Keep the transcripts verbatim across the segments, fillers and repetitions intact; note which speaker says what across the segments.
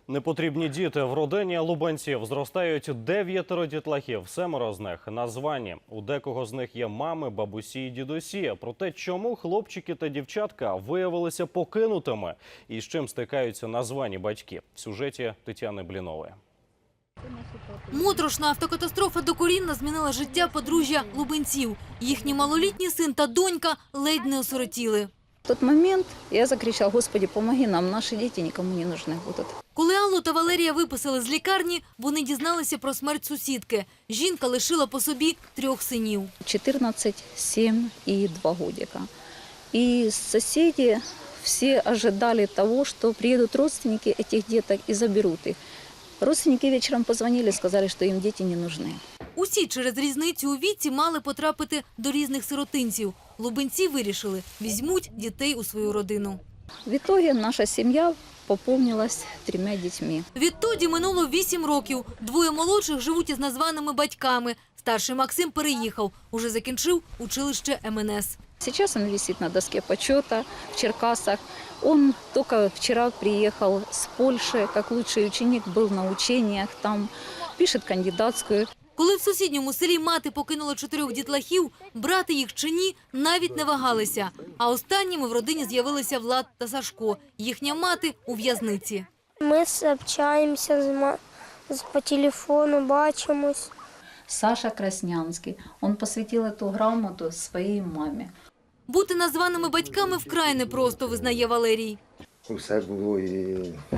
Speaker 1: Непотрібні діти в родині лубенців. Зростають дев'ятеро дітлахів, семеро з них названі. У декого з них є мами, бабусі і дідусі. Проте, чому хлопчики та дівчатка виявилися покинутими і з чим стикаються названі батьки? В сюжеті Тетяни Блінової.
Speaker 2: Моторошна автокатастрофа докорінно змінила життя подружжя лубенців. Їхній малолітній син та донька ледь не осиротіли.
Speaker 3: В той момент я закричала: «Господи, помоги нам, наші діти нікому не нужны будуть».
Speaker 2: Коли Аллу та Валерія виписали з лікарні, вони дізналися про смерть сусідки. Жінка лишила по собі трьох синів.
Speaker 3: чотирнадцять, сім і два годика. І сусіди всі очікували того, що приїдуть родственники цих діток і заберуть їх. Родственники вечором позвонили, сказали, що їм діти не нужны.
Speaker 2: Усі через різницю у віці мали потрапити до різних сиротинців. Лубенці вирішили – візьмуть дітей у свою родину.
Speaker 3: В итоге наша сім'я поповнилась трьома дітьми.
Speaker 2: Відтоді минуло вісім років. Двоє молодших живуть із названими батьками. Старший Максим переїхав, уже закінчив училище ем ен ес.
Speaker 3: Сейчас он висит на доске почета в Черкасах. Он только вчера приехал с Польши, как лучший ученик, был на учениях там, пишет кандидатскую.
Speaker 2: Коли в сусідньому селі мати покинула чотирьох дітлахів, брати їх чи ні, навіть не вагалися. А останніми в родині з'явилися Влад та Сашко. Їхня мати у в'язниці.
Speaker 4: Ми общаємося з ма... по телефону, бачимось.
Speaker 3: Саша Краснянский, он посвятил эту грамоту своей маме.
Speaker 2: Бути названими батьками вкрай непросто, визнає Валерій.
Speaker 5: Усе було і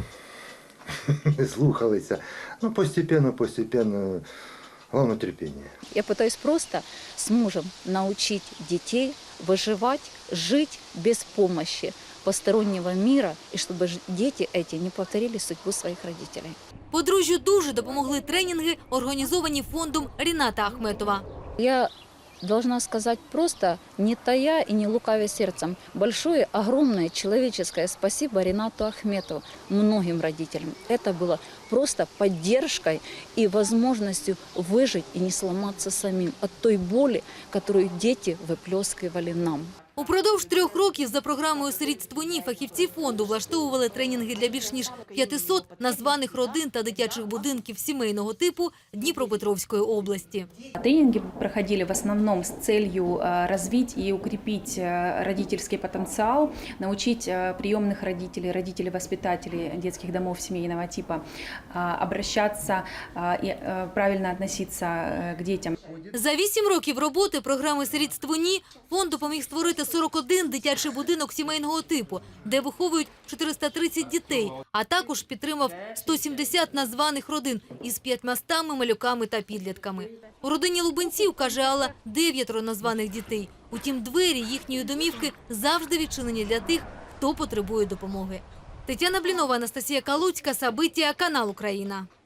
Speaker 5: не слухалися. Ну, постепенно, постепенно, головне терпіння.
Speaker 3: Я пытаюсь просто с мужем научить детей выживать, жить без помощи постороннего мира, и чтобы дети эти не повторили судьбу своих родителей.
Speaker 2: Подружжю дуже допомогли тренінги, організовані фондом Ріната Ахметова.
Speaker 3: Я должна сказать просто, не тая и не лукавя сердцем, большое, огромное человеческое спасибо Ринату Ахметову, многим родителям. Это было просто поддержкой и возможностью выжить и не сломаться самим от той боли, которую дети выплескивали нам.
Speaker 2: Упродовж трьох років за програмою «Сирітство ні» фахівці фонду влаштовували тренінги для більш ніж п'ятисот названих родин та дитячих будинків сімейного типу Дніпропетровської області.
Speaker 6: Тренинги проходили в основном с целью развить и укрепить родительский потенциал, научить приемных родителей, родителей-воспитателей детских домов семейного типа обращаться и правильно относиться к детям.
Speaker 2: За вісім років роботи програми «Сирітство ні» фонд допоміг створити сорок один дитячий будинок сімейного типу, де виховують чотириста тридцять дітей, а також підтримав сто сімдесят названих родин із п'ятьмастами малюками та підлітками. У родині лубенців, каже Алла, дев'ятеро названих дітей. Утім, двері їхньої домівки завжди відчинені для тих, хто потребує допомоги. Тетяна Блінова, Анастасія Калуцька, Сабиття, канал Україна.